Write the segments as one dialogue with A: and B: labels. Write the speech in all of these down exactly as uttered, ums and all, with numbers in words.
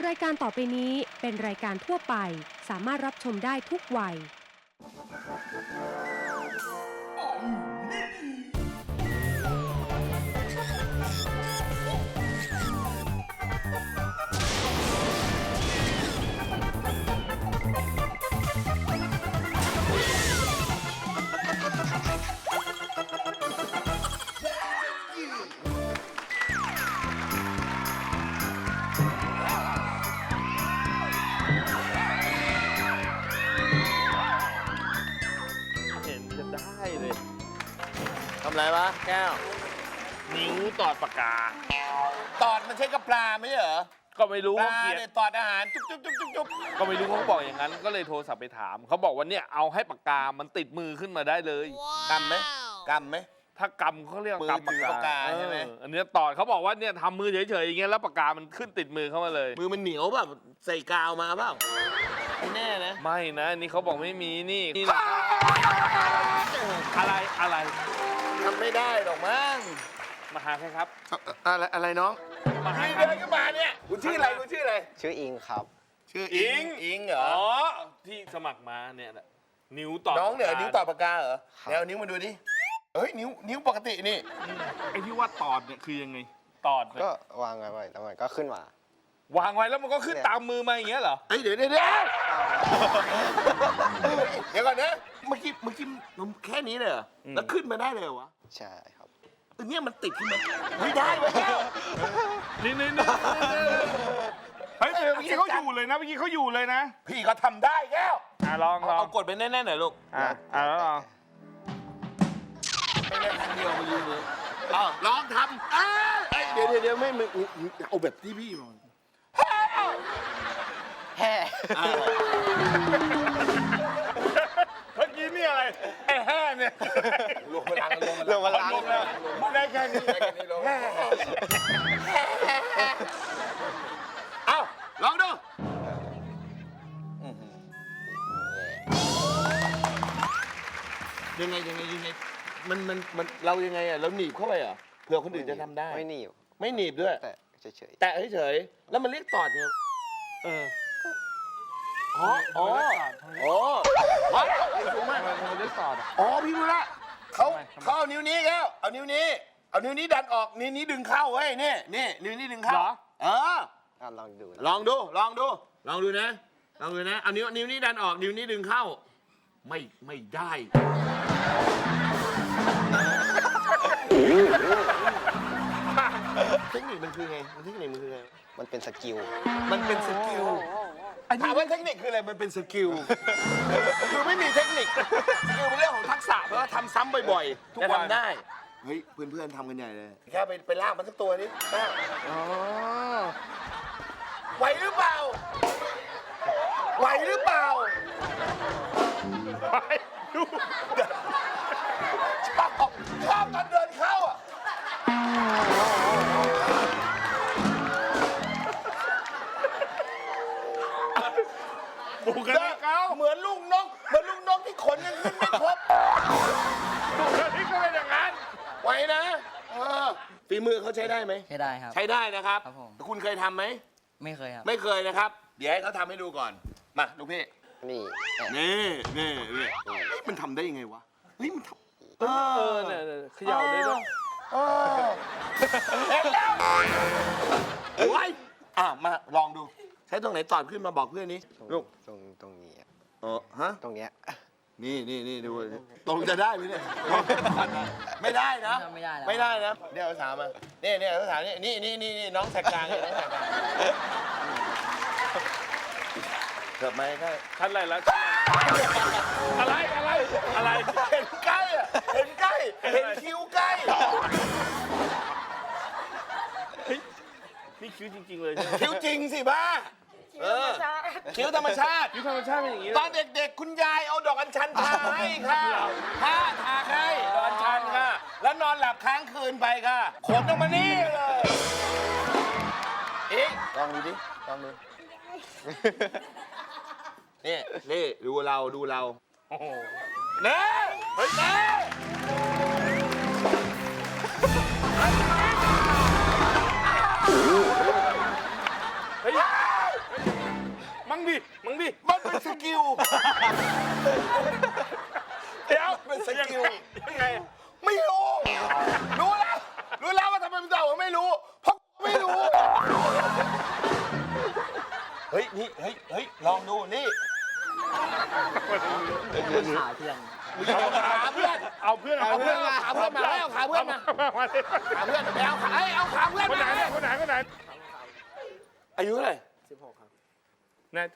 A: รายการต่อไปนี้เป็นรายการทั่วไปสามารถรับชมได้ทุกวัย
B: ทำไรวะแก้ว
C: นิ้วตอดปากกา
B: ตอดมันใช้กับปลาไม่ใช่เหรอ
C: ก็ไม่รู้
B: ป
C: เขา
B: ลา
C: เขียน
B: เนี่ยตอดอาหารจุ๊บจุ๊บจุ๊บจุ๊บจุ๊บ
C: ก็ไม่รู้เขาบอกอย่างนั้น ก็เลยโทรศัพท์ไปถาม เขาบอกว่าเนี่ยเอาให้ปากกามันติดมือขึ้นมาได้เลย
B: กำไหมกำไหม
C: ถ้ากำเขาเรียก
B: มือก
C: ำ
B: ถือปากกาใช่ไหม
C: เอออันเนี้ยตอดเขาบอกว่าเนี่ยทำมือเฉยๆอย่างเงี้ยแล้วปากกามันขึ้นติดมือเข้ามาเลย
B: มือมันเหนียวแบบใส่กาวมาเปล่าไม่แน่นะ
C: ไม่นะอันนี่เขาบอกไม่มีนี่นี่นะอะไรอะไร
B: ทำไม่ได้หรอกมั้ง
C: มาหาใครครับ
B: อะไรอะไรน้อง
C: มาหา
B: นี่
C: ใคร
B: เดินขึ้นมาเนี่ยคุณชื่ออะไรคุณชื่ออะไร
D: ชื่ออิงครับ
B: ชื่ออิงอิงเหรอ
C: อ๋อที่สมัครมาเนี่ยแหละนิ้วตอด
B: น้องเนี่ย
C: ปากกา
B: นิ้วต่อปากกาเหรอ
D: ครับ
B: เดี๋ยวเอานิ้วมาดูดิเฮ้ยนิ้วนิ้วปกตินี่
C: ไอ้ที่ว่าตอดเนี่ยคือยังไงตอดเนี่ย
D: ก็วางไว้แล้วมันก็ขึ้นมา
C: วางไว้แล้วมันก็ขึ้น
D: เนี่ย
C: ตามมือมาอย่างเงี้ยเหรอ
B: เฮ้ยเดี๋ยวเดี๋ยวเดี๋ยวเดี๋ยวก่อนนะเมื่อกี้เมื่อกี้มันแค่นี้เลยเหรอ
C: อืม
B: แล้วขึ้นมาได้เลยเหรอวะ
D: ใช่ครับ
B: เออเนี่ยมันติดขึ้นมาไม่ได้เว้ยแก้ว
C: นี่นี่นี่เฮ้ยเมื่อกี้เขาอยู่เลยนะเมื่อกี้เขาอยู่เลยนะ
B: พี่ก็ทำได้แก้ว
C: อ่ะลองลอง
B: เอากดไปแน่ๆหน่อยลูก
C: อ่ะอ่ะแล้วลอง
B: ไม่ได้ครั้งเดียวมันลืมเลยอ้าวลองทำอ้าวเอ้ยเดี๋ยวเดี๋ยวเดี๋ยวไม่มึงเอาแบบที่พี่มอง
D: แห่
B: อ้าว
C: เมื่อกี้นี่อะไรไอ้แห่เนี่ย
B: ลงพลังลง
D: ลงมาล้าง
C: ลงแล้วไม่ได้แค่นี้
B: ได้แค่นี้ลงเอ้าลองดูยังไงยังไงยังไงมันมันมันเรายังไงอ่ะเราหนีบเข้าไปเหรอเผื่อคนอื่นจะทำได้
D: ไม่หนีบ
B: ไม่หนีบด้วย
D: แต่เฉย
B: แตะเฉยๆแล้วมันเรียกตอดไง
C: เออ
B: อ๋ออ๋ออ๋อวะสูงมาก
C: ทำไมทำไมได้ตอดอ่ะ
B: อ๋อพี่รู้ละเขา
C: ทำไมทำไม
B: เขาเอานิ้วนี้แล้วเอานิ้วนี้ เอานิ้วนี้ดันออกนิ้วนี้ดึงเข้าเว้ยนี่นี่นิ้วนี้ดึงเข้า
C: เหรอ
B: เออ
D: ๆอ่ะลองดู
B: ลองดูลองดูลองดูนะลองดูนะเอานิ้วนิ้วนี้ดันออกนิ้วนี้ดึงเข้า ไม่ไม่ได้เทคนิคมันคือไงมันเทคนิคมันคือไง
D: มันเป็นสกิล
B: มันเป็นสกิลถามว่าเทคนิคคืออะไร มันเป็นสกิล คือไม่มีเทคนิคคือเป็นเรื่องของทักษะเพราะว่าทำซ้ำบ่อยๆ ทุกวันได้ เฮ้ย เพื่อนๆทำกันใหญ่เลย แค่ไปไปลากมันสักตัวนี้อ๋อไหวหรือเปล่า ไหวหรือเปล่า
C: ไปดู
B: ชอบชอบตอนเดินเข้าอ่ะ
C: บุคลิกเขา
B: เหมือนลูกนก เหมือนลูกนกที่ขนยังขึ้นไม่ครบ
C: บุคลิกก็เป็นอย่างนั้น
B: ไหวนะเออฝีมือเขาใช้ได้ไหม
E: ใช้ได้ครับ
B: ใช้ได้นะครับ
E: ครับผม
B: คุณเคยทำไหม
E: ไม่เคยครับ
B: ไม่เคยนะครับ เดี๋ยวให้เขาทำให้ดูก่อน มาลูกพี่
D: นี่แห่
B: นี่นี่นี่เฮ้ยมันทำได้ยังไงวะ เฮ้ยมันทำเอ
C: เอ
B: อ
C: อเนี่ยเนี่ยเขย่าได้ด้วย
B: เออเห็นแล้วโอ้ยอ่ะมาลองดู ใช้ตรงไหนตอบขึ้นมาบอกเพื่อนนี้
D: ตรง
B: ลูก
D: ตรงตรงนี้อะ
B: เออฮะ
D: ตรงเนี้ย
B: นี่นี่นี่ดูตรงจะได้ไหมเนี่ย ไม่ได้นะ
E: ไม่ได้แล้ว
B: ไม่ได้นะ เดี๋ยวเอาสามมานี่นี่เอาสามนี่นี่นี่นี่นี่น้องแสกกลางเนี่ยน้องแสกกลางเกิดมาก็
C: ชั้นอะไรแล้วอะไรอะไรอะไร
B: เห็นใกล้อะเห็นใกล้ เห็นคิ้วใกล้
C: นี่คิ้วจริงๆเลยใช่ไหม
B: คิ้วจริงสิบ้าเออคิ้วธรรมชาติ
C: คิ้วธรรมชาติเป็นอย่างนี้
B: ตอนเด็กๆ คุณยายเอาดอกอัญชันทาให้ค่ะผ้าทาให้ดอกอัญชันค่ะ แล้วนอนหลับค้างคืนไปค่ะ ขนออกมานี่เลยเอ๊ะลองดูดิ ลองดู นี่นี่ดูเราดูเรา
C: โอ้โห
B: เน่เฮ้ยเน่
C: เฮ้ยมั้งดิมั้งดิ
B: มันเป็นสกิล
C: เดี๋ยว
B: เป็นสกิล
C: ยังไง
B: ไม่รู้ รู้แล้ว รู้แล้วว่าทำไมมึงตอบว่าไม่รู้ เพราะไม่รู้ เฮ้ย นี่ เฮ้ย เฮ้ย ลองดู นี่
D: ขาเพื่อน
B: เอาขาเพื่อน
C: เอาเพื่อน
B: เอาเพื่อนมาขาเพื่อนมาเอาขาเพื่อนมา
C: มาดิ
B: ขาเพื่อนไปเอาขาเอ้ยเอาขาเพื่อน
C: คนไหน
B: มา
C: เนี่ยคนไหนคนไหน
B: อายุเท่าไหร่
D: สิบหกครับ
C: แน่ใจ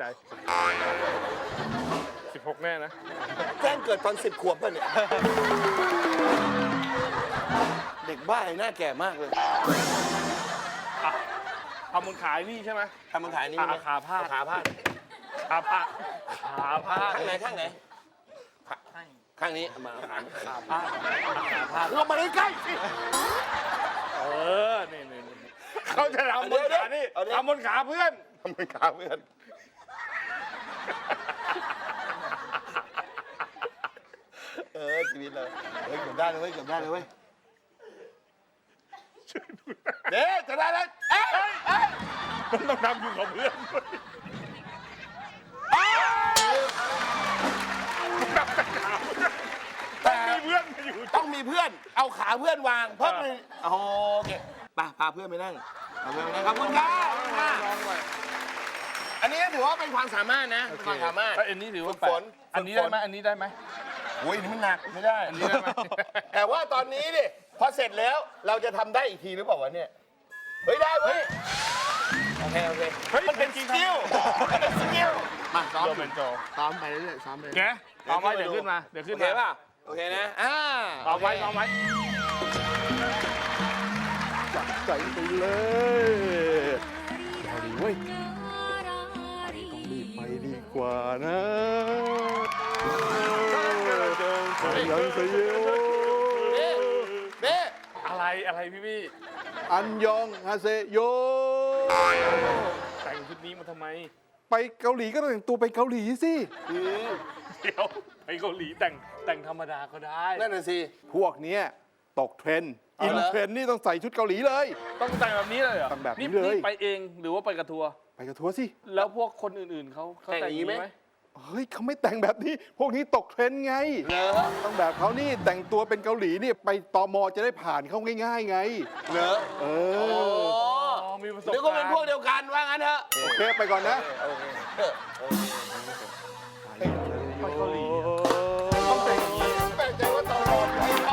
C: สิบหกแน่นะ
B: แจ้งเกิดตอนสิบขวบป่ะเนี่ย เด็กบ้าไอ้หน้าแก่มากเลย
C: อ่ะทำบนขายนี่ใช่ไหม
B: ทำมันขายนี่
C: อ่ะ
B: ไหม
C: ขาพาด
B: เอขาพาด
C: ขาพาดขาพาด
B: ข้างไหนข้างไหนขาข้างนี้มาเอาขา
C: ขาพาดขาพาด
B: ลงมาใกล้ๆสิ
C: เออนี่นี่นี่เขาจะทำบนขานี่ทำบนขาเพื่อน
B: ทำมันขาเพื่อน เออชีวิตเราเฮ้ยเกือบได้เลยเว้ยเกือบได้เลยเว้ยเด้จะได้แล้วเอ้ยเอ้ย
C: มันต้องทำอยู่กับเพื่อนด้วย
B: เอ้ย
C: ทำแต่ขาเพื่อน
B: แต่
C: มีเพื่อนมาอยู่
B: ต้องมีเพื่อน เอาขาเพื่อนวางเพิ่มเลยโอเคไปพาเพื่อนไปนั่งพาเพื่อนไปนั่งขอบคุณครับขอบคุณครับอันนี้ก็ถือว่าเป็นความสามารถนะเป็นความสามารถ
C: อันนี้ถือว่า
B: ฝึกฝน
C: อันนี้ได้ไหมอันนี้ได้ไหม
B: โอ้ยนี่มันหนักไม่ได้
C: อันนี้ได้ไหม
B: แต่ว่าตอนนี้ดิพอเสร็จแล้วเราจะทำได้อีกทีหรือเปล่าวะเนี่ยเฮ้ยได้เว้ยโอเคโอเค
C: เฮ้ย
B: มันเป็นสกิลมันเป็นสกิลมาซ้อม
C: โดเป็นโจ
B: ซ้อมไปเรื่อยๆซ้อมไปเรื่อย
C: แกเอาไว้เดี๋ยวขึ้นมาเดี๋ยว
B: โอ
C: ขึ้น
B: เค
C: มา
B: ป่ะโอเคนะอ่า
C: เอาไว้เอาไว้
E: ใจไปเลยเอาดีเว้ยต้องรีบไปดีกว่านะยังเสียว
B: เบ้เบ้
C: อะไรอะไรพี่พี่
E: อันยองฮาเซโย
C: แต่งชุดนี้มาทำไม
E: ไปเกาหลีก็ต้องแต่งตัวไปเกาหลีสิ
C: เดี๋ยวไปเกาหลีแต่งแต่งธรรมดาก็ได้
B: นั่นน่ะสิ
E: พวกเนี้ยตกเทรนด์
B: เอา
E: อิน
B: เหรอ
E: เทรนด์นี่ต้องใส่ชุดเกาหลีเลย
C: ต้องแต่งแบบนี้เลยเหรอ
E: แต่งแบบนี้เลย
C: ไปเองหรือว่าไปกับทัวร์
E: ไปกับทัวร์สิ
C: แล้วพวกคนอื่นๆเขาเขาแต่งอย่างนี้ไหม
E: เฮ้ยเขาไม่แต่งแบบนี้ พวกนี้ตกเทรนด์ไง
B: เหรอ
E: ต้องแบบเขานี่แต่งตัวเป็นเกาหลีนี่ไปตมจะได้ผ่านเข้าง่ายๆไง
B: เหรอ
E: เอ
B: โอ้
E: อ
C: อ๋อมีประสบ
B: เดี๋ยวก็เป็นพวกเดียวกันว่างั้นเถอะ
E: โอเคไปก่อนนะ
B: โอเคเออ
C: ไปเกาหลี
B: ต้องแต่งอย่างนี้แปลกใจว่าตอนรอให้เขา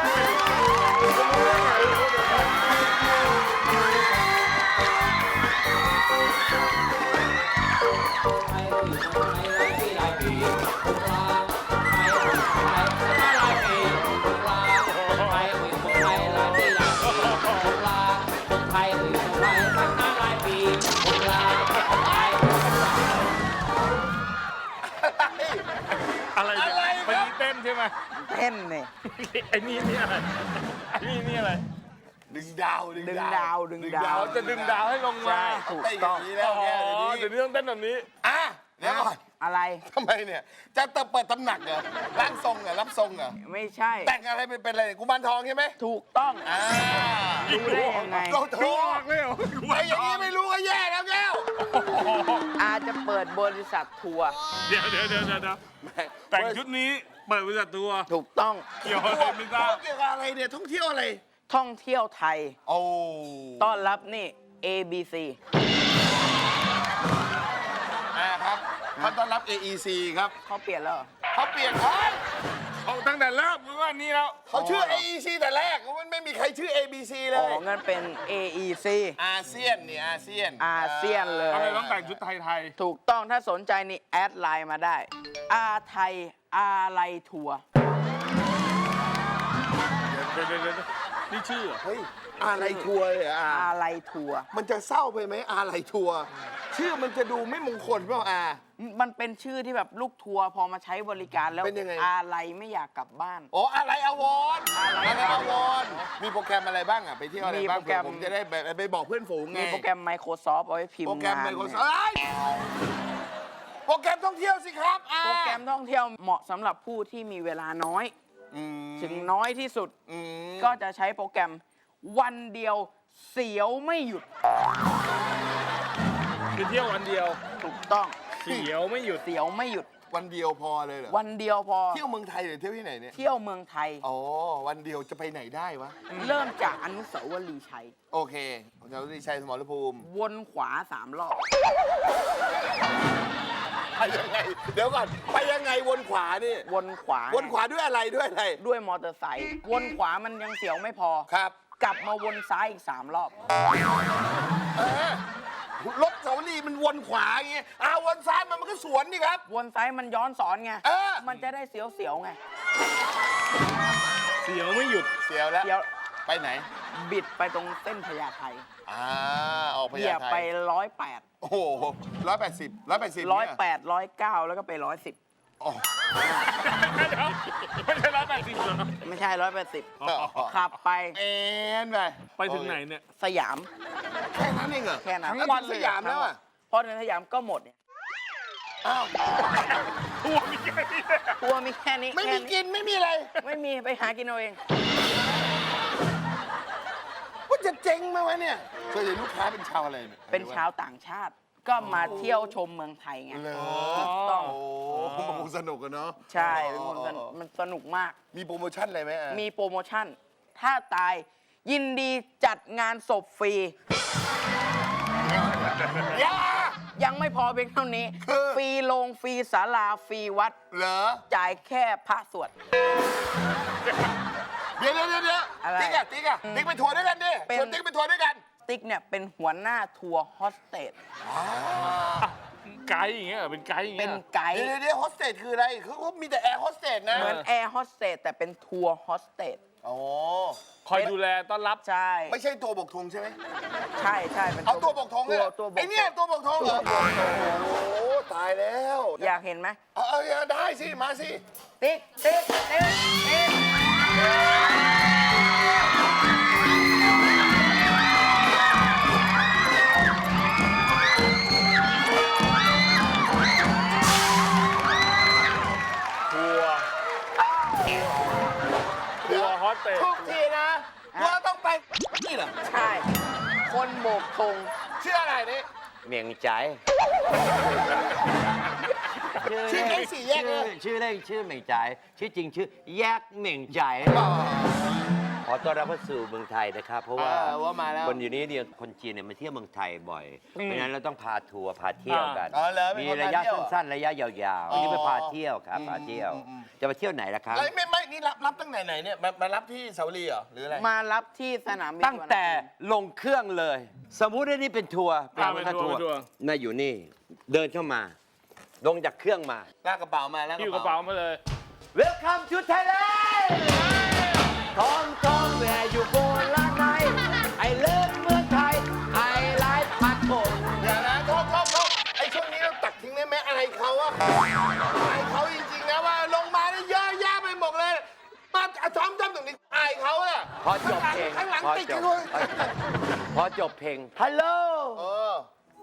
C: อะไรเนี่ย
B: อะไร
C: ไป
B: ครับ
C: นี่เต้นใช่ไหม
D: เต้นเนี่ย
C: ไอ้นี่นี่อะไรไอ้นี่นี่อะไร
B: ดึงดาว
D: ดึงดาวดึงดาว
C: เราจะดึงดาวให้ลงมา
B: ถูกต้องนี้แล้ว
C: อ๋อ
B: แกเดี๋ยว
C: เดี๋ยว
B: นี้
C: นี้ต้องเต้นแบบนี้
B: อ่ะเดี๋ยวก่อน
D: อะไร
B: ทำไมเนี่ย จะเปิดตำหนักเหรอร่างทรงเหรอรับทรงเหรอ
D: ไม่ใช่
B: แต่งอะไรเป็นเป็นอะไรเนี่ยกุมารทองใช่ไหม
D: ถูกต้อง
B: อ่า
D: รู้ได้ยังไง
B: เรา
C: ดู
B: ถู
C: อก อกเลยเหรอ
B: ไอ้อย่างนี้ไม่รู้ก็แย่แล้วแก้ว
D: อาจจะเปิดบริษัททัวร์
C: เดี๋ยวเดี๋ยวเดี๋ยวเดี๋ยวแต่งชุดนี้เปิดบริษัทตัว
D: ถูกต้อง
C: เกี่ยวอะไรไม่ทราบ
B: เกี่ยวกับอะไรเนี่ยท่องเที่ยวอะไร
D: ท่องเที่ยวไทย
B: โอ้
D: ต้อนรับนี่ เอ บี ซี
B: อ่าครับเขาต้อนรับ เอ อี ซี ครับ
D: เขาเปลี่ยนแล้วเหรอ
B: เขาเปลี่ยนเฮ้ย
C: เอาตั้งแต่เริ่มหรือว่านี่แล้ว
B: เขาชื่อ เอ อี ซี แต่แรกมันไม่มีใครชื่อ เอ บี ซี เล
D: อ๋อย งั้นเป็น เอ อี ซี
B: อาเซียนนี่อาเซียน
D: อาเซียนเลย
C: ทำไมต้องแต่งชุดไทย
D: ถูกต้องถ้าสนใจนี่แอดไลน์มาได้ อาไทย อาไลทัวร์
C: ๆเดี๋ยวเดี๋ยวเดี๋ยวนี่ชื่อเหรอ
B: เฮ้ยอะไรทัวร์เลยเหรออา
D: อาไลทัวร์
B: มันจะเศร้าไปไหมอะไรทัวร์ชื่อมันจะดูไม่มงคลเปล่าอา
D: มันเป็นชื่อที่แบบลูกทัวร์พอมาใช้บริการแล้ว
B: เป็นยังไง
D: อาไลไม่อยากกลับบ้าน
B: โอ้อะไรอาวรณ์
D: อะไร
B: อะไรอาวรณ์มีโปรแกรมอะไรบ้างอ่ะไปเที่ยวอะไรบ้าง
D: มีโปรแกรม
B: เผื่อผมจะได้ไปไปบอกเพื่อนฝูงไง
D: มีโปรแกรม Microsoft เอาไว้พิมพ์
B: โปรแกรม
D: งาน
B: ไม
D: เนี่ย
B: โครซอฟท์โปรแกรมท่องเที่ยวสิครับอา
D: โปรแกรมท่องเที่ยวเหมาะสำหรับผู้ที่มีเวลาน้อย
B: อืม
D: ถึงน้อยที่สุด
B: อืม
D: ก็จะใช้โปรแกรมวันเดียวเสียวไม่หยุด
C: คือเที่ยววันเดียว
D: ถูกต้อง
B: เ
C: เสียวไม่หยุด
D: เสียวไม่หยุด
B: วันเดียวพอเลยเหรอ
D: วันเดียวพอ
B: เที่ยวเมืองไทยหรือเที่ยวที่ไหนเนี่ย
D: เที่ยวเมืองไทย
B: อ๋อวันเดียวจะไปไหนได้วะ
D: เริ่มจากอนุสาวรีย์ชัย
B: โอเคของเราที่ชัยสมรภูมิ
D: วนขวาสามรอบ
B: ไปยังไงเดี๋ยวก่อนไปยังไงวนขวานี่
D: วนขวา
B: วนขวาด้วยอะไรด้วยอะไร
D: ด้วยมอเตอร์ไซค์วนขวามันยังเสียวไม่พอ
B: ครับ
D: กลับมาวนซ้ายอีกสามรอบ
B: เออรถเสาวรีมันวนขวาอย่างเงี้ยอ้าววนซ้ายมันมันก็สวนนี่ครับ
D: วนซ้ายมันย้อนสอนไง
B: เออ
D: มันจะได้เสียวๆไง
C: เสียวไม่หยุด
B: เสียวแล้ว
D: เสียว
B: ไปไหน
D: บิดไปตรงเส้นพญาไท
B: อ่าออกพ
D: เหยี
B: ญาย
D: บ
B: ไท
D: ไปร้อยแปด
B: โอ้โหร้อยแปดสิบร้อยแปดสิบ
D: ร้อยแปดร้อยเก้าแล้วก็ไปร้อยสิบ
C: ไม่ใช่ร้อยแปดสิบเหรอ
D: ไม่ใช่ร้อยแปดสิบขับไป
B: เอ็นไป
C: ไปถึงไหนเนี่ย
D: สยาม
B: แค่นั้นเองเหรอ
D: แค่นั้น
B: ทั้งวันสยามแล้วอ่ะ
D: พอถึงสยามก็หมดเนี่ย
B: อ้าว
C: ทัวร์มีแค่นี้
D: ทัวร์มีแค่นี้
B: ไม่มี
D: แค่
B: กินไม่มีอะไร
D: ไม่มีไปหากินเอาเอง
B: ว่าจะเจ๊งไหมวะเนี่ยเคยเห็นลูกค้าเป็นชาวอะไรเนี่ย
D: เป็นชาวต่างชาติ ก็มาเที่ยวชมเมืองไทยไง
B: เหรอ
D: ถูกต้อง
B: โอ้โหมันคงสนุกอะเนาะ
D: ใช่เป็นคนสนุกมันสนุกมาก
B: มีโปรโมชั่นอะไรไหมอ่ะ
D: มีโปรโมชั่น ถ้าตายยินดีจัดงานศพฟรี
B: อย่า
D: ยังไม่พอเพียงเท่านี้
B: คือ
D: ฟรีโรงฟรีศาลาฟรีวัด
B: เหรอ
D: จ่ายแค่พระสวด
B: เดี๋ยวเดี๋ยวเดี๋ยว
D: อะไร
B: ติ๊กอะติ๊กอะติ๊กไปทัวร์ด้วยกันดิ
D: เป็น
B: ชวนติ๊กไปทัวร์ด้วยกัน
D: ติ๊กเนี่ยเป็นหัวหน้าทัวร์โฮสเตส
C: ไกด์อย่างเงี้ยเหรอเป็นไกด์อย่าง
D: เป็
C: เงี้
D: น
C: ย
D: ไกด์
B: เดี๋ยวเดี๋ยวเดี๋ยวโฮสเตสคืออะไรคือเขามีแต่แอร์โฮสเตสนะ
D: เหมือนแอร์โฮสเตสแต่เป็นทัวร์โฮสเตส
B: โอ้
C: คอยดูแลต้อนรับ
D: ใช่
B: ไม่ใช่ตัวบกธงใช่ไหม
D: ใช่ใช่เป็น
B: เอาตัวบกธงเลย
D: ตัว
B: เหรอ
D: ตัวบก
B: ไอเนี่ยตัวบกธงเหรอ
D: ตัวบกธง
B: โอ้ตายแล้ว
D: อยากเห็นไหม
B: เอาเอาเอาได้สิมาสิ
D: ติ๊กติ๊กติ๊กติ๊ก
C: ทัวร์ทัวร์ฮอสเตส
B: ทุกทีนะว่าต้องไปนี่เหรอ
D: ใช่ คนโบกธง
B: ชื่ออะไรนี่
F: เมียงใจ
B: ชื่อแก๊งสี่แยก
F: ชื่
B: เล
F: อย ชื่อเล่นชื่อเหม่งใจ ชื่อจริงชื่อแยกเหม่งใจ ขอต้อนรับเข้าสู่เมืองไทยนะครับ เพราะว่า
B: เออว่ามาแล้ว
F: คนอยู่นี้เนี่ยคนจีนเนี่ยมาเที่ยวเมืองไทยบ่อย เพราะฉะนั้นเราต้องพาทัวร์พาเที่ยวกัน
B: อ๋อเหรอเป็น
F: มี
B: คน
F: ระ
B: พาย
F: ะ
B: เที่ยว
F: สั้นๆระยะยาวๆอันนี้ไปพาเที่ยวครับ
B: อืม
F: พาเที่ยว
B: อืมอืม
F: จะไปเที่ยวไหนล่ะครับ
B: เอ้ยไม่ไม่นี่รับรับตั้งไหนไหนเนี่ยมามารับที่เสาวรีเหรอหรืออะไร
D: มารับที่สนามบิน
F: ตั้งแต่ลงเครื่องเลย สมมุติว่านี่เป็นทัวร์
C: อ่าเป็นทัวร์เป็นทัวร์
F: น่าอยู่นี่ เดินเข้ามา ลงจากเครื่องมา
B: ลากกระเป๋ามาแล้ว
C: หิ้วกระเป๋ามาเลย
F: Welcome to Thailand ทองทองแหวอยู่โบราณไหนไอเลิฟเมืองไทยไอไลฟ์พัดผม
B: เดี๋ยวนะโทษโทษโทษไอ้ช่วงนี้เราตักทิ้งได้ไหมอะไรเขาอะอายเขาจริงๆนะว่าลงมาได้เยอะแยะไปหมดเลยมาซ้อมจำตรงนี้อายเขาอะ
F: พอจบเพลง
B: ข้างหลัง
F: พอ
B: ติด
F: จ
B: กัน
F: บ
B: ด้วย
F: พอจบเพลงฮัลโหล
B: เออ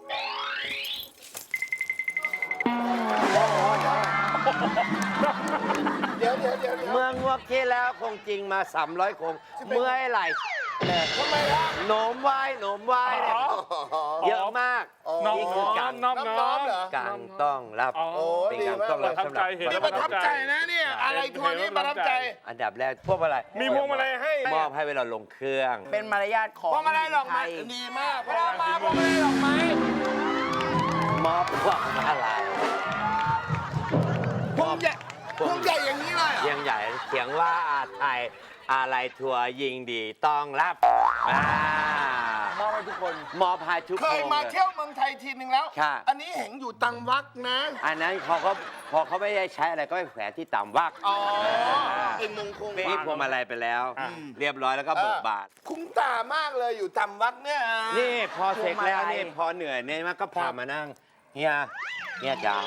B: เดี๋ยวเดี๋ยวเดี๋ยวเดี๋ยว
F: เมืองวักที่แล้วคงจริงมา สามร้อย คง เมื่อยไหลเลย
B: ทำไมล่ะ
F: โหนมไหว้โหนมไหว้เนี่ยเยอะมาก
B: อ๋อ
C: น้อง
F: นี่คือกัง
C: น้อง
B: น้
C: น้
B: อ
C: อง ง
B: เหรอ
F: กังต้องรับ
C: อ๋อ
B: โอ้
F: เป็น
B: ดี
F: กัง
B: มาก
F: ต้อง
B: เล
F: รับ
B: ย
C: ประทับ
F: สำหรับ
C: ใจเห็น
B: นี่ประทับใจนะเนี่ยอะไรทัวร์นี้ประทับใจ
F: อันดับแรกพวกอะไร
C: มีพวงมาลัยให้
F: มอบให้เวลาลงเครื่อง
D: เป็นมารยาทของ
B: พวงมาลัยดอก
D: ไท
B: ไม้
D: ย
B: ดีมากพวงมาพวงมาลัยดอกไม้
F: มอบพวงมาลัย
B: พวงใหญ่พวงใหญ่อย่างนี้เลยเหรอ
F: เชียงใหญ่เขียงว่าอาไทยอะไรทัวร์ยิงดีต้องรับอ่าม
B: อบให้ทุกคน
F: มอบให้ทุก
B: เค
F: คน
B: ยมาเที่ยวเมืองไทยทีนึงแล้ว
F: ค่ะ
B: อันนี้เห็นอยู่ตังวักนะ
F: อันนั้นเขาก็พอเขาไม่ได้ใช้อะไรก็ไปแขวนที่ต่ำวัก
B: อ๋อเป็นมงคล
F: นี่พวงมาลัยไปแล้ว เรียบร้อยแล้วก็เบิกบาน
B: คุ้มตามากเลยอยู่ตังวักเนี่ย
F: นี่พอเสร็จแล้ว
D: พวงมาลัย
F: นี่พอเหนื่อยเนี่ยมันก็พามานั่งเฮียเฮียจาม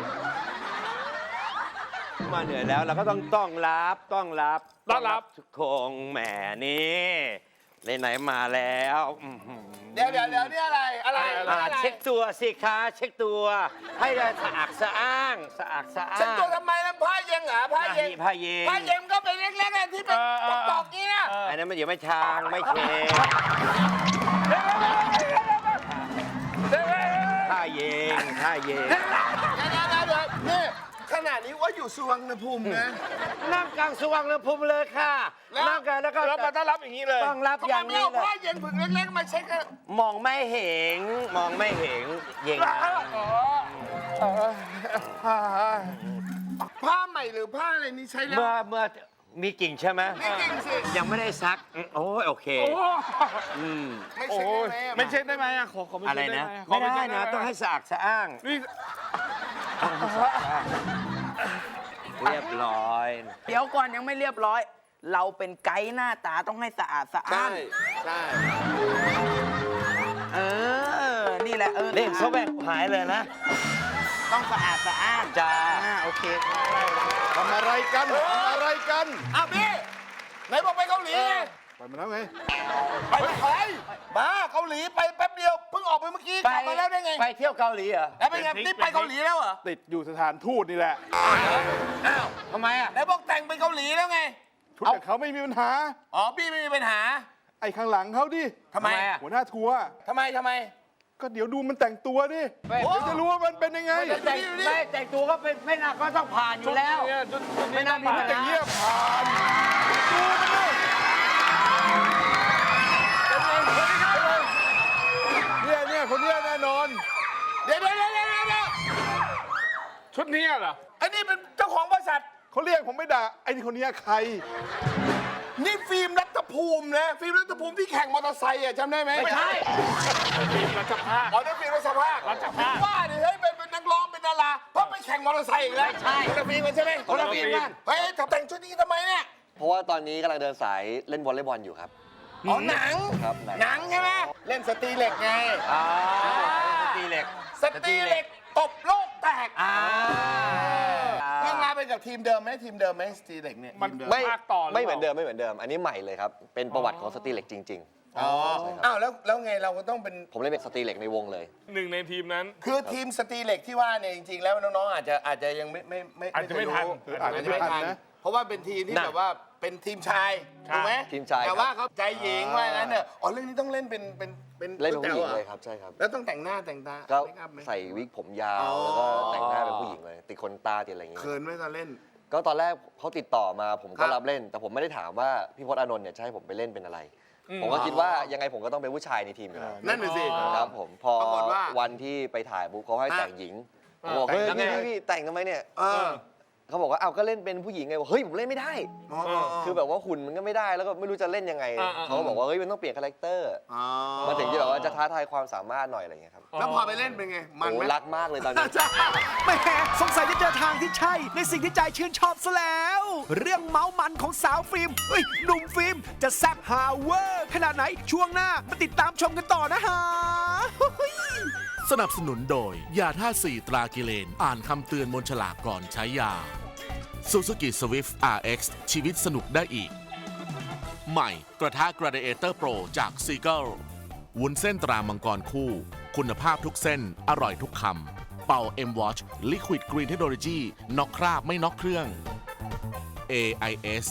F: มาเหนื่อยแล้วเราก็ต้องต้องรับต้องรับ
C: ต้อนรับ
F: ทุกคงแหมนี่ไหนๆมาแล้วอื้อหือ
B: เดี๋ยวเดี๋ยวเดี๋ยวนี่อะไรอะไร
F: อ่า
B: อะไร
F: เช็คตัวสิคะเช็คตัว ให้ได้สะอาดสะอ้างสะอาดสะอ้าง
B: เช็คตัวทำไมนะผ้าเย็นเหรอผ้าเย็น
F: ผ้าเย็น
B: ผ้าเย็นก็เป็นเล็กๆอะที่เป็น
C: เออเออ
B: ตอกๆนี้นะ
F: อันนั้นมันอยู่ไม่ชางไม่เชผ้าเยงท่าเยง
B: เดี๋ยวเดี๋ยวเดี๋ยวนี่ขนาดนี้ว่าอยู่สุวรรณภูมินะ
F: นั่งกลางสว่างระภูมิเลยค่ะ
B: แล้ว
F: นั่งกันแล้วก็
C: แล้วมาต้อนรับอย่างนี้เลย
F: ต้องรับ
B: ทำ
F: อ
B: ไม
F: ย่าง
B: ไม่
F: นี้
B: เอา
F: เล
B: ผ้าย เย็นผืนเล็กๆมาเช็คกัน
F: มองไม่เห็น มองไม่เห็นเยง
B: ผ้าใหม่หรือผ้าอะไรนี่ใช้แล้ว
F: เมื่อเมื่อมีกิ่งใช่ไหม
B: นี่จริงสิ
F: ยังไม่ได้ซัก โอ้ยโอเค
C: โอ้
F: อืม
B: ไม่
C: โอ้
B: เช็ค
C: ย
B: ได้ไหมอะ
C: ไม่เช็ดได้ไหมอะขอขอไม่
F: อะไร
C: เช็ดได้
F: นะ
C: ไหมข
F: ไม่ได้
C: เช็
F: นะ ต้องให้สะอาดสะอ้าง
C: นี่
F: เรียบร้อย
D: เดี๋ยวก่อนยังไม่เรียบร้อย เราเป็นไกด์หน้าตาต้องให้สะอาดสะอ้า
B: ใช่
D: น
B: ใช่
D: เออ นี่แหละเออ
F: นี่เขาแบ่งหายเลยนะ
D: ต้องสะอาดสะอ้าน
F: จ้า
D: อ่าโอเค
E: ทำอะไรกันทำอะไรกัน
B: อ้าวพี่ไหนบอกไปเกาหลีไง
E: ไปมาแล้วไง
B: ไปไหนบ้าเกาหลีไปแป๊บเดียวเพิ่งออกไปเมื่อกี้กลับมาแล้วได้ไง
F: ไปเที่ยวเกาหลีเหรอ
B: แล้วเป็นไงนี่ไปเกาหลีแล้วเหรอ
E: ติดอยู่สถานทูตนี่แหละ
B: อ้าว
F: ทำไมอ่ะ
B: ไหนบอกแต่งไปเกาหลีแล้วไง
E: ชุดกับเขาไม่มีปัญหา
B: อ๋อพี่ไม่มีปัญหา
E: ไอ้ข้างหลังเขาดิ
B: ทำไม
F: อ่ะ
E: หัวหน้าทัวร์
B: ทำไมทำไม
E: ก็เดี๋ยวดูมันแต่งตัวดิ
F: ไม่
E: เดี๋ยวจะรู้ว่ามันเป็นยังไง
F: แต่งไม่แต่งตัวก็เป็นไม่น่าก็ต้องผ่านอยู่แล้ว
C: เนี่ยชุดชุด
F: ไม่น่ามีปัญ
E: อย่าง
F: หา
E: เงี้ยผ่านดูมันดิเนี่ยเนี่ยคนเนี้ยแน่นอน
B: เดี๋ยวเดี๋ยวเดี๋ยวเดี๋ยวเดี๋ยว
C: ชุดนี้เหรอ
B: ไอ้นี่เป็นเจ้าของบริษัท
E: เขาเรียกผมไม่ด่าไอ้คนเนี้ยใคร
B: นี่ฟิล์มรัฐภูมินะ ฟิล์มรัฐภูมิที่แข่งมอเตอร์ไซค์อ่ะจำได้ไหม
F: ไม่ใช่
C: รัชภาค
B: อ๋อนั่นฟิล์มรัชภาค
C: รัชภาค
B: ว่าดิเฮ้ยเป็นเป็นนักร้องเป็นดาราเพราะไปแข่งมอเตอร์ไซค์อีกแล้ว
F: ไม่ใช่
B: คนละฟิล์มกันใช่ไหม
F: คนละฟิล์มกัน
B: เฮ้ยแต่งชุดนี้ทำไมเนี่ย
G: เพราะว่าตอนนี้กำลังเดินสายเล่นวอลเลย์บอลอยู่ครับ
B: อ๋อหนัง
G: ครับหนัง
B: หนังใช่ไหมเล่นสตรีเหล็กไง
F: อ่าสตรีเหล็ก
B: สตรีเหล็กตบโลกแตก
F: อ่า
B: เรื่องราวเป็นกับทีมเดิมไหมทีมเดิมไหมสตรีเหล็กเนี่ย
C: มัน
B: ทีเดิม
G: ไม่
C: ภาคต่อหรือเปล่า
G: ไม่เหมือนเดิมไม่เหมือนเดิม อันนี้ใหม่เลยครับ เป็นประวัติของสตรีเหล็กจริง
B: อ๋ออ้าวแล้วแล้วไงเราก็ต้องเป็น
G: ๆ ผมเล่นเป็นสตรีเหล็กในวงเลย
C: หนึ่งในทีมนั้น
B: คือทีมสตรีเหล็กที่ว่าเนี่ยจริงๆแล้วน้องๆอาจจะอาจจะยังไม่ไม่ไม่
C: อาจจะไม่ทัน
B: เคยรู้
E: อาจจะไม่ทันนะ
B: เพราะว่าเป็นทีมที่แบบว่าเป็นทีมชายถูกไหม
G: ทีมชาย
B: แต่
G: ครับ
B: ว่าเขาใจหญิงว่างั้นเนี่ยอ๋อเรื่องนี้ต้องเล่นเป็นเป็นเป็น
G: เล่นเป็นผู้หญิง
B: แต๋ว
G: เล
B: อะ
G: ยครับ ใช่ครับ
B: แล้วต้องแต่งหน้าแต่งตา
G: ก็
B: เมคอัพไหม
G: ใส่วิกผมยา
B: อ๋
G: ว
B: อ
G: แล้วก็แต่งหน้าเป็นผู้หญิงเลย ติดขนตาติดอะไรอย่างเงี้ย
B: เขินไหมตอนเล่น
G: ก็ตอนแรกเขาติดต่อมาผม
B: ครั
G: ก็
B: บ
G: รับเล่น แต่ผมไม่ได้ถามว่าพี่พจน์อานนท์เนี่ยจะให้ผมไปเล่นเป็นอะไร
C: อืม
G: ผมก็คิดว่ายังไงผมก็ต้องเป็นผู้ชายในทีมอยู่แล้ว
B: นั่นน่ะสิ
G: ครับผมพอ
B: ปรากฏว่า
G: วันที่ไปถ่ายปุ๊บเขาให้
B: อ่ะ
G: แต่งหญิงผมบอกเฮ้ย
B: แต่งยังไง
G: พี่พี่แต่งทำไมเนี่ย
B: เออ
G: เขาบอกว่าเอาก็เล่นเป็นผู้หญิงไงบอกเฮ้ยผมเล่นไม่ได้
B: อ๋ออ๋อ
G: คือแบบว่าหุ่นมันก็ไม่ได้แล้วก็ไม่รู้จะเล่นยังไง
C: อ่าอ่า
G: เขาก็บอกว่าเฮ้ยมันต้องเปลี่ยนคาแรคเตอร์
B: อ๋อ
G: มาถึงจะแบบว่าจะท้าทายความสามารถหน่อยอะไรอย่างเงี้ยครับ
B: แล้วพอไปเล่นเป็นไงมัน
G: โอ้
B: ไหม
G: รักมากเลยตอนนี้
H: แหมสงสัยจะเจอทางที่ใช่ ในสิ่งที่ใจชื่นชอบซะแล้ว เรื่องเมามันของสาวฟิล์มเฮ้ยหนุ่มฟิล์มจะแซ่บฮาเวอร์ขนาดไหนช่วงหน้ามาติดตามชมกันต่อนะฮะ
I: สนับสนุนโดย ยาท่าสี่ตรากิเลน อ่านคำเตือนบนฉลากก่อนใช้ยา Suzuki Swift อาร์ เอ็กซ์ ชีวิตสนุกได้อีก ใหม่ กระทะ Gladiator Pro จาก Seagull วุ้นเส้นตรามังกรคู่ คุณภาพทุกเส้น อร่อยทุกคำ เป่า M Watch Liquid Green Technology น็อกคราบไม่น็อกเครื่อง เอ ไอ เอส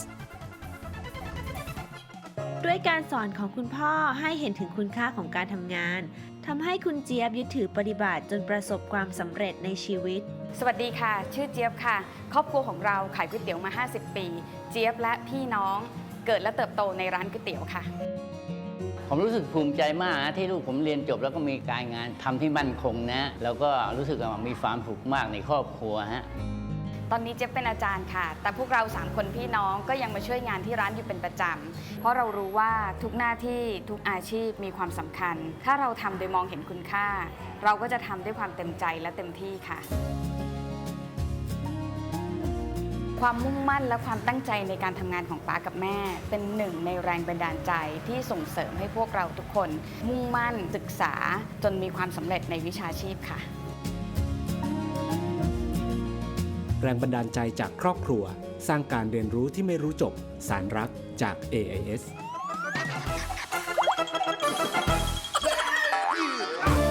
J: ด้วยการสอนของคุณพ่อให้เห็นถึงคุณค่าของการทำงานทำให้คุณเจี๊ยบยึดถือปฏิบัติจนประสบความสำเร็จในชีวิต
K: สวัสดีค่ะ ชื่อเจี๊ยบค่ะ ครอบครัวของเราขายก๋วยเตี๋ยวมา ห้าสิบ ปี เจี๊ยบและพี่น้องเกิดและเติบโตในร้านก๋วยเตี๋ยวค่ะ
L: ผมรู้สึกภูมิใจมากนะที่ลูกผมเรียนจบแล้วก็มีการงานทำที่มั่นคงนะ แล้วก็รู้สึกว่ามีความสุขมากในครอบครัวฮะ
K: ตอนนี้เจี๊ยบเป็นอาจารย์ค่ะ แต่พวกเราสามคนพี่น้องก็ยังมาช่วยงานที่ร้านอยู่เป็นประจำ เพราะเรารู้ว่าทุกหน้าที่ทุกอาชีพมีความสำคัญ ถ้าเราทำโดยมองเห็นคุณค่า เราก็จะทำด้วยความเต็มใจและเต็มที่ค่ะ ความมุ่งมั่นและความตั้งใจในการทำงานของป๊ากับแม่ เป็นหนึ่งในแรงบันดาลใจที่ส่งเสริมให้พวกเราทุกคน มุ่งมั่นศึกษาจนมีความสำเร็จในวิชาชีพค่ะ
M: แรงบันดาลใจจากครอบครัว สร้างการเรียนรู้ที่ไม่รู้จบ สารรักจาก เอ ไอ เอส